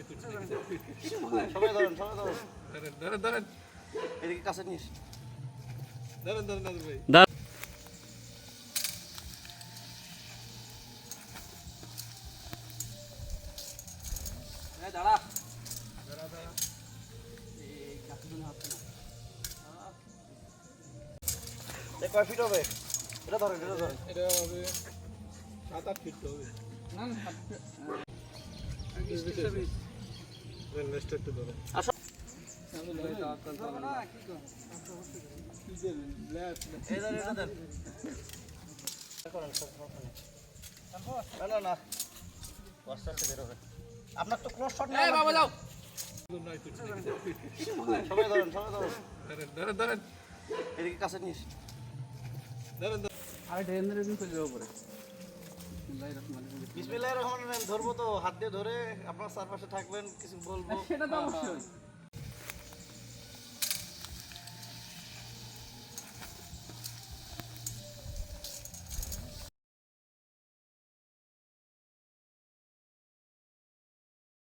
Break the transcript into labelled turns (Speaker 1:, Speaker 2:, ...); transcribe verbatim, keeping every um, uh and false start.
Speaker 1: সবাই ধরেন, সবাই ধরেন। ধরেন, ধরেন। এদিকে কাছে নিস। ধরেন, ধরেন, নাজর ভাই। এই দাঁড়া। দাঁড়া, দাঁড়া। এই কাছে দিন হাত না। এ কয় ফিট হবে? এটা ধরেন, এটা ধরেন। এটা হবে সাত আট ফিট হবে। না না সাত ফিট। দেন নেক্সট একটু ধরেন। আসো। ধরো না কি কর? কি দেন? লেফট। এই ধরেন, এটা দেন। করেন সব ওখানে। না না না। কষ্ট আছে বের হবে। আপনার তো ক্লোজ শট না। এই বাবা যাও। সবাই ধরেন, সবাই ধরেন। ধরেন, ধরেন, ধরেন। এদিকে কাছে নিস। ধরেন, ধরেন।
Speaker 2: আর ড্রেন ধরে দিন চলে যাবো পরে।
Speaker 1: বিসমিল্লাহির রহমানির রহিম। ধরবো তো হাত দিয়ে ধরে আপনার চারপাশে থাকবেন, কিছু বলবো।
Speaker 2: সেটা তো অবশ্যই।